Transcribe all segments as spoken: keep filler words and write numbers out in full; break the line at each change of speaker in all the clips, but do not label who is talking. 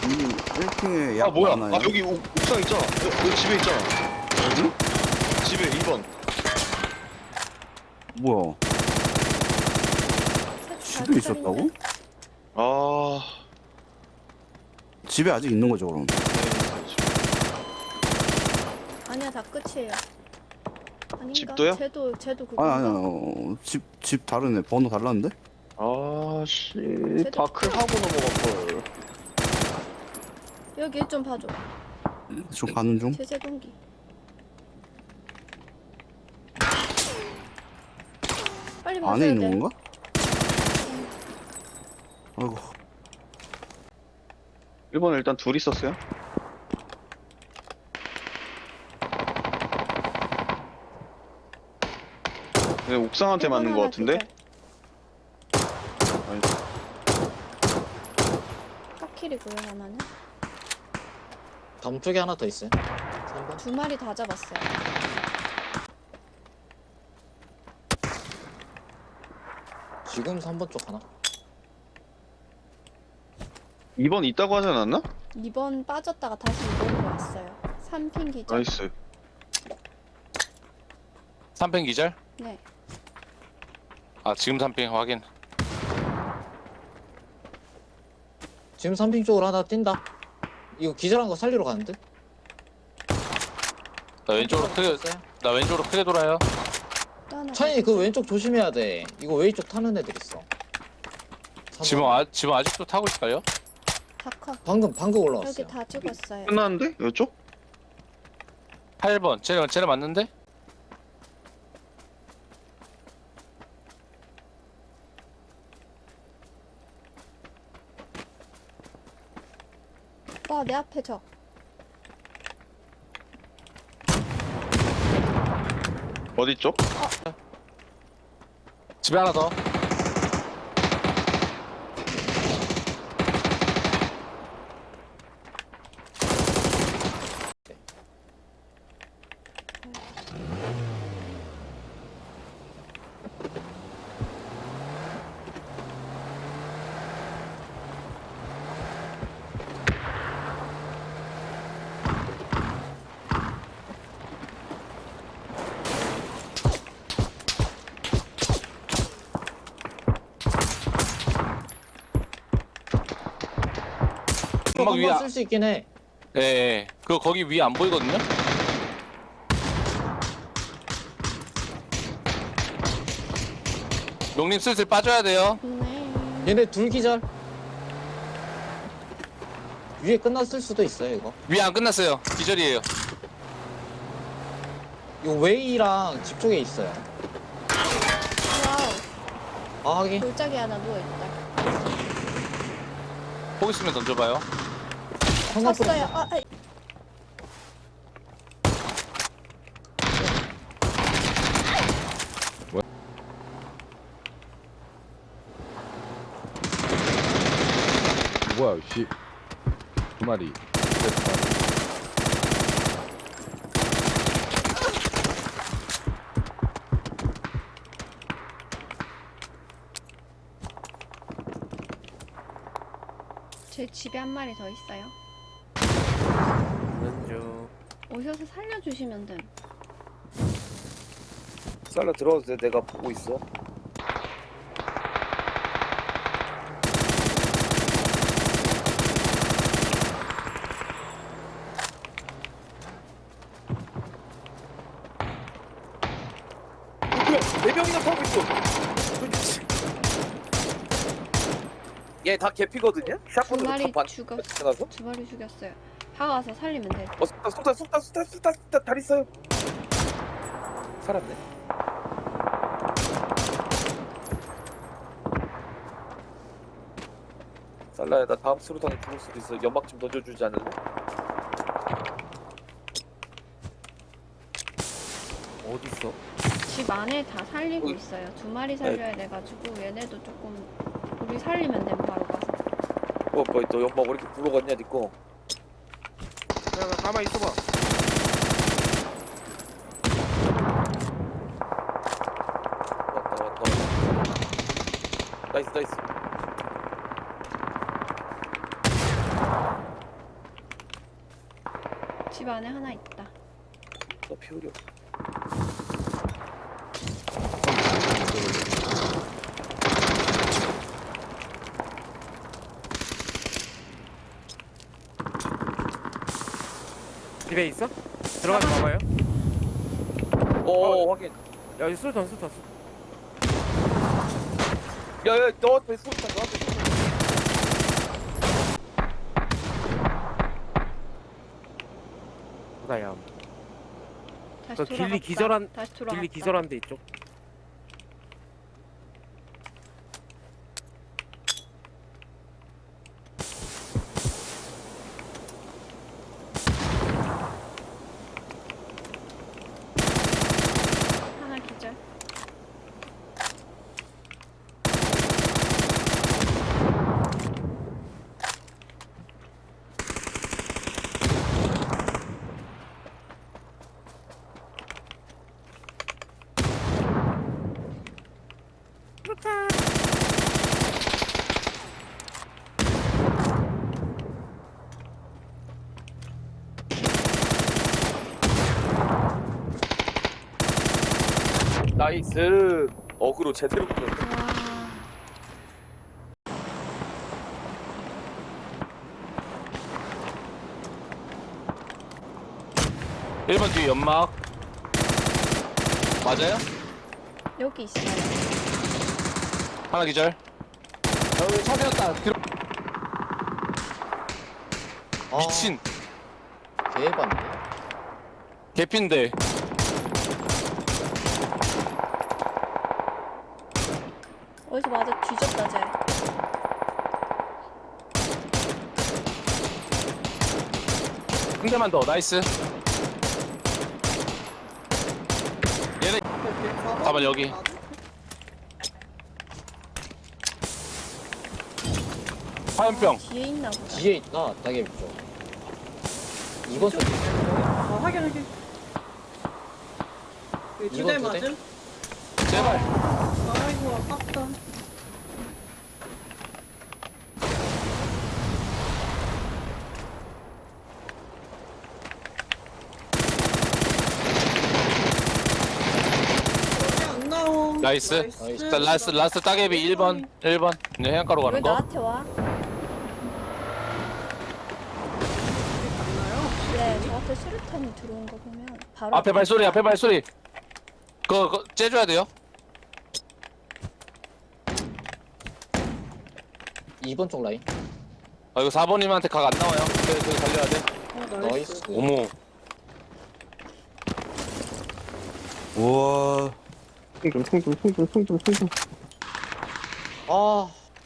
이 일 층에
아
약
뭐야?
많아요.
아 여기 옥, 옥상 있잖아. 여, 여기 집에 있잖아.
어디?
집에 이 번.
뭐야? 집에 있었다고?
아.
집에 아직 있는 거죠 그럼?
네, 집에.
아니야, 다 끝이에요. 아닌가?
집도요?
쟤도 쟤도
아니
그건가?
아니 어, 집, 집 다르네. 번호 달랐는데?
아, 씨.
쟤도
다클 하고 넘어갈 걸.
여기 일 좀 봐줘.
좀 가는 중?
제세 동기. 빨리
안에
봐줘야
있는
돼.
건가? 아이고
일 번에 일단 둘 있었어요. 네, 옥상한테
일 번
맞는 거
하나
같은데?
기절.
아니,
파킬이고요, 하나는.
담 쪽에 하나 더 있어요. 삼 번.
두 마리 다 잡았어요.
지금 삼 번 쪽 하나.
이 번 있다고 하지 않았나?
이 번 빠졌다가 다시 이 번으로 왔어요. 삼 핑 기절.
나이스.
삼 팽 기절?
네.
아 지금 삼 팽 확인.
지금 삼 핑 쪽으로 하나 뛴다. 이거 기절한 거 살리러 가는데?
나 왼쪽으로 크게 나 왼쪽으로 크게 돌아요.
또 하나
차이
더
그
기절.
왼쪽 조심해야 돼. 이거 왼쪽 타는 애들 있어. 삼
지금
번.
아 지금 아직도 타고 있어요?
다 커.
방금 방금
여기
올라왔어요.
다 죽었어요.
끝났는데? 이쪽?
팔 번. 쟤네 쟤네 맞는데?
와, 내 앞에 저.
어디 쪽?
집에 하나 더. 연막 위에
한번
아-
쓸 수 있긴 해.
예, 예. 그거 거기 위에 안 보이거든요? 용님 슬슬 빠져야 돼요.
네.
얘네 둘 기절. 위에 끝났을 수도 있어요 이거.
위에 안 끝났어요. 기절이에요.
이거 웨이랑 집 쪽에 있어요.
와우.
아 하긴.
골짜기 하나 누워있다.
포기 있으면 던져봐요.
상관없어.
쳤어요. 아, 아.
뭐야, 씨. 두 마리. 두 마리.
제 집에 한 마리 더 있어요.
왼쪽
오셔서 살려주시면 됨.
살라 들어가도 돼. 내가 보고 있어. 뭐야? 네 명이나 타고 있어. 얘 다 개피거든요?
두
샷건으로
마리
다 반.
죽었.
나서?
두 마리 죽였어요. 다가와서 살리면 돼.
어, 쏟다, 쏟다, 쏟다, 쏟다, 쏟다, 쏟다, 다리 있어요. 살았네. 살라야, 나 다음 수로탄에 죽을 수도 있어. 연막 좀 던져주지 않을래? 어딨어?
집 안에 다 살리고
어이.
있어요. 두 마리 살려야 돼가지고 얘네도 조금 우리 살리면 돼 바로 가서.
어, 뭐, 너 연막 왜 이렇게 굴러갔냐, 니꺼? 야, 야, 가만히 있어봐. 왔다, 왔다, 왔다. 나이스, 나이스.
집 안에 하나 있다.
너 피우려.
집에 있어? 들어가서 봐봐요.
오 확인.
야, 이 수류탄, 수류탄, 수류탄.
야야 너한테 쏜다 너한테 쏜다.
보다야.
다시
그
돌아갔다.
길리 기절한-
다시 돌아갔다.
길리 기절한 데 있죠.
하나 기절.
나이스. 어그로 제대로 끌었네.
와.
일 번 뒤에 연막. 맞아요?
여기 있어요.
하나 기절.
여기 차 세웠다. 아,
미친.
개반데.
개핀데.
어디서 맞아 뒤졌다 쟤.
한 대만 더. 나이스. 얘네. 가만 여기. 화염병.
뒤에 있나 보다.
뒤에 있다. 따개비 쪽. 이번 쪽.
아, 확인, 확인. 그 두 대
이번 두 대?
맞음?
제발.
아이고, 아깝다. 여기 안 나옴.
나이스.
나이스.
자, 라스트 라스트 따개비 일 번. 일 번. 이제 해안가로
왜
가는 거.
나한테 와?
갔나요?
네, 저한테 수류탄이 들어온 거 보면 바로
앞에 발소리. 앞에 발소리. 그거, 그거 째줘야 돼요.
이번 쪽 라인.
아 이거 사 번님한테 각 안 나와요. 그래 그거 달려야 돼.
어,
나이스.
나이스.
어머.
우와.
총좀 총좀 총좀 총좀 총좀.
아.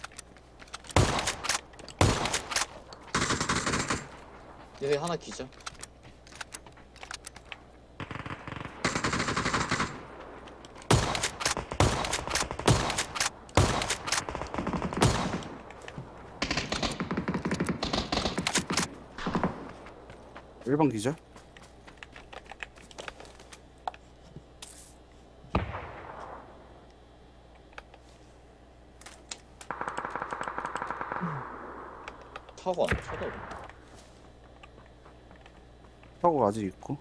얘네 하나 기절.
일 번 기절?
차고 안 쳐다.
차고 아직 있고.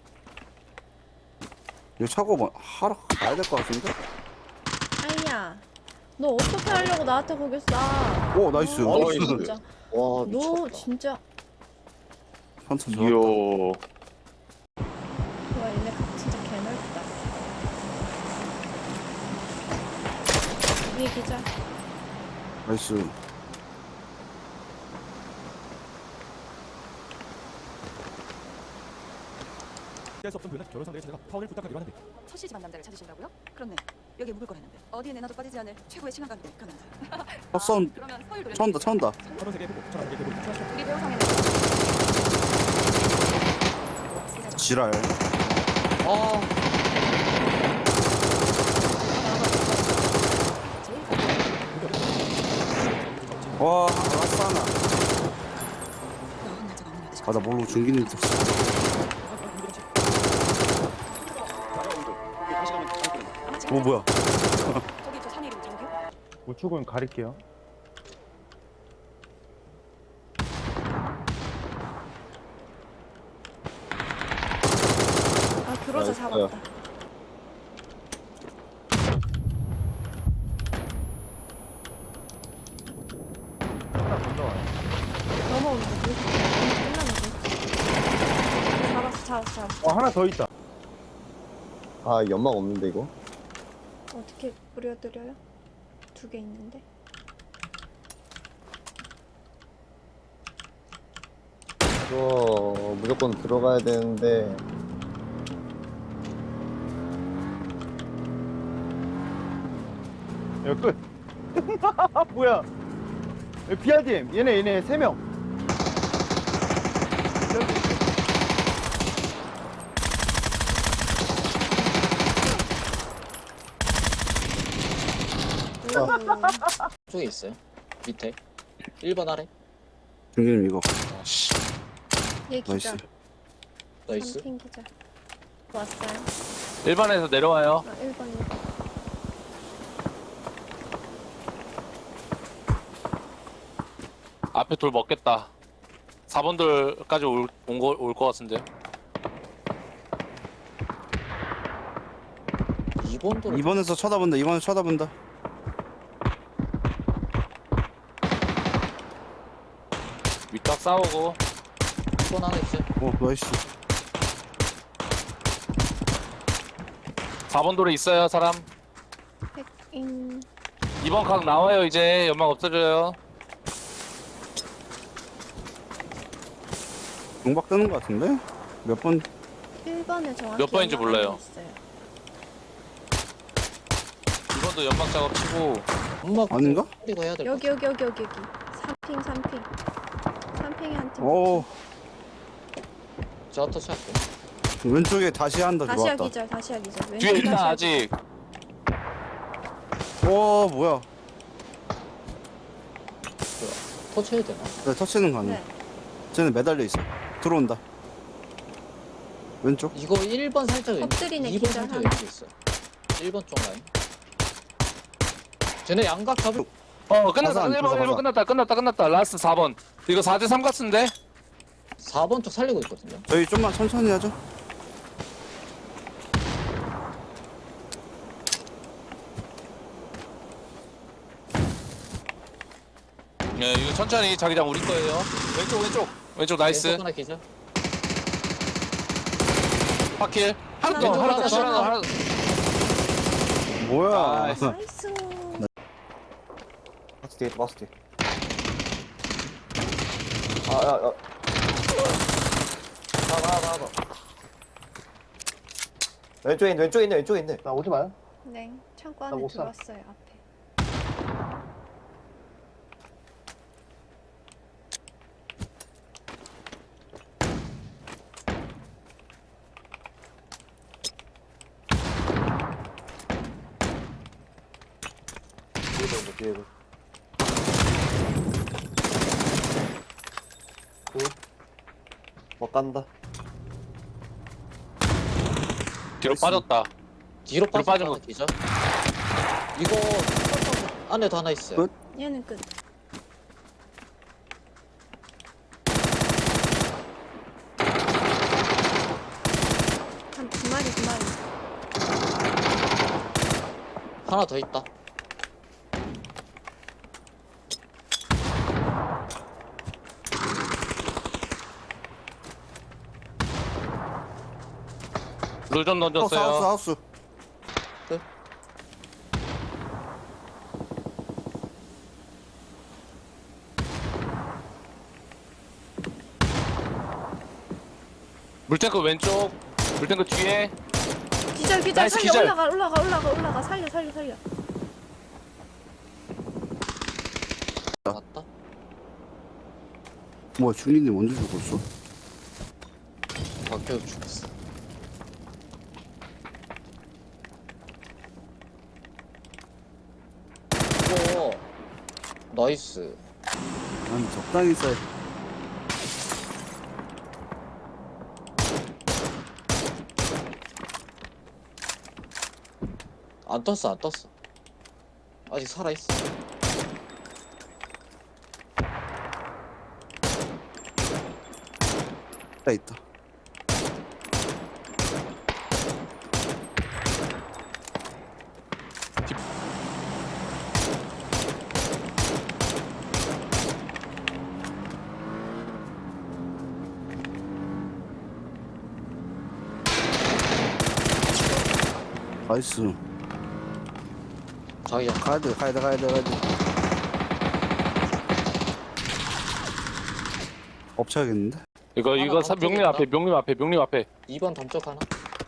이거 차고 뭐 하러 가야 될 것 같은데?
아이야, 너 어떻게 하려고 나한테 거기 쏴?
오 나이스.
어,
나이스.
진짜.
와,
너
미쳤다.
진짜.
한참 좋아.
이야.
와, 얘네 각 진짜 개넓다. 위에 기절.
나이스.
피할 수 없던 불난 결혼 상대의 자녀가 파혼을 부탁하기로 하는데
첫 시집한 남자를 찾으신다고요? 그렇네. 여기에 묵을 거랬는데 어디에 내놔도 빠지지 않을 최고의 신앙관계 가능하다.
첫 싸움
그러면 서울 노래
차온다 차온다.
서른 세계의 부부 천안 세계의 부부 천안
우리 배우상에는
지랄.
아.
와 아싸나.
넌 날짜가 없는 여자.
아 나 모르고 중기는 줄 알았어. 오 뭐야?
저기 저 산이 이름 정규?
우측은 가릴게요.
잡았어
있어요.
잡았다. 넘어오는 거 보였어. 끝나는 거 보였어. 잡았어 잡았어 잡았어.
어 하나 더 있다.
아 연막 없는데 이거?
어떻게 뿌려드려요? 두 개 있는데.
이거 무조건 들어가야 되는데
야 끝. 뭐야? 비알디엠 얘네 얘네 세 명.
쪽에 있어요. 밑에. 일 번 아래.
중기님 이거.
아씨.
얘
나이스.
기절.
나이스.
삼핑 기절. 왔어요.
일 번에서 내려와요.
아, 일 번 일 번.
앞에 돌 먹겠다. 사 번 돌까지 온거올 것 같은데.
이 번 도로.
이 번에서 쳐다본다. 이 번에서 쳐다본다.
윗각 싸우고.
이 번 안에 있어요.
어 나이스.
사 번 돌에 있어요 사람.
백인.
이 번 각 나와요 이제. 연막 없어져요.
용박 뜨는 거 같은데? 몇 번?
일 번에 정확히
몇 번인지
연락
몰라요.
안에 있어요.
이 번도 연막 작업 치고.
엄마
아닌가?
그리고 해야 될 것
여기
같아.
여기 여기 여기 여기. 삼핑 삼핑. 삼핑에 한 팀.
오
저 터치 할게.
왼쪽에 다시 한다.
다시야
들어왔다.
기절 다시야 기절. 왼쪽
뒤에 있나
다시야
아직.
오 뭐야?
터치 해야 되나?
나 터치는 거 아니야.
네.
쟤는 매달려 있어. 들어온다. 왼쪽.
이거 일 번 살짝 왼.
엎드리네,
이 번
기절
살짝
하나.
왼쪽 있어. 일 번 쪽 라인. 쟤네 양각 잡을.
어 끝났다.
가자,
일 번
가자,
일 번
가자.
끝났다. 끝났다 끝났다. 라스트 사 번. 이거 사 대 삼 같은데?
사 번 쪽 살리고 있거든요.
저희 좀만 천천히 하죠.
예, 이거 천천히 자기장 우리 거예요. 왼쪽 왼쪽 왼쪽 나이스.
왼쪽 하나 기절.
파킬. 하나
하나
더
더,
하나
하나
더
더.
하나 더 하나 더.
뭐야?
나이스.
나이스.
박스 뒤에 박스 뒤에. 아야야. 나가 나가 나가. 왼쪽에 있네 왼쪽에 있네 왼쪽에 있네. 나 오지 마요.
네. 창고
나
안에
못 살아.
들어왔어요 앞에.
뒤에도 있네 뒤에도. 못 간다.
뒤로 빠졌다.
뒤로
뒤로
빠져
빠진
하나
거.
기절. 이거 안에도 하나 있어요.
끝?
얘는 끝. 한 두 마리 두 마리.
하나 더 있다.
룰 좀
하우스
던졌어요.
하우스 하우스.
물탱크 왼쪽. 물탱크 뒤에.
기절 기절
나이스,
살려
기절.
올라가 올라가 올라가 올라가 살려 살려 살려.
맞다.
뭐야 중리님 언제 죽었어?
박혀도 죽었어. 이거 나이스.
아니 적당히 써.
안 떴어 안 떴어. 아직 살아 있어.
있다 있다. 나이스.
자기장.
가야 돼, 가야 돼, 가야 돼, 가야 돼. 엎쳐야겠는데?
이거
하나
이거 사, 명림
깜짝이야.
앞에 명림 앞에 명림 앞에
이 번 담쪽 하나.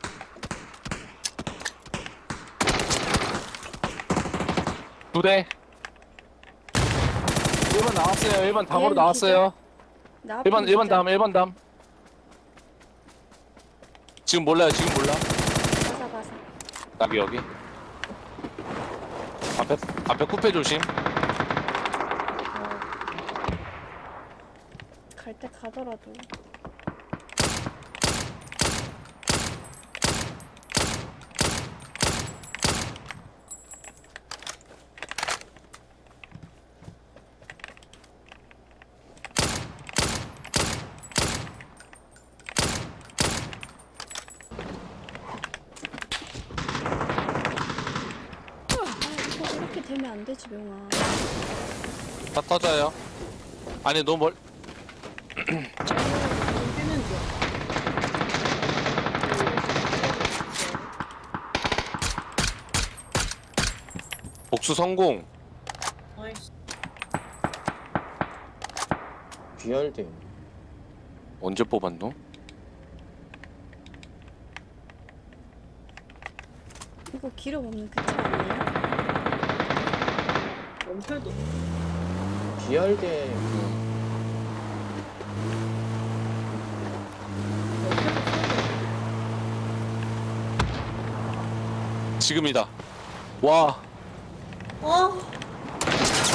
두 대. 일 번 나왔어요. 일 번 담으로
얘는
나왔어요.
나
일 번 일 번 담 일 번 담. 지금 몰라요. 지금 몰라.
가사 가사.
여기 여기. 앞에 앞에 쿠페 조심.
갈 때 가더라도. 아, 이거 이렇게 되면 안 되지, 명아.
다 터져요. 아니 너무 멀.
뛰는 중.
복수 성공.
나이스.
비열대.
언제 뽑았노?
이거 기록 없는 그차 아니에요?
원패도.
비열대.
지금이다. 와.
어.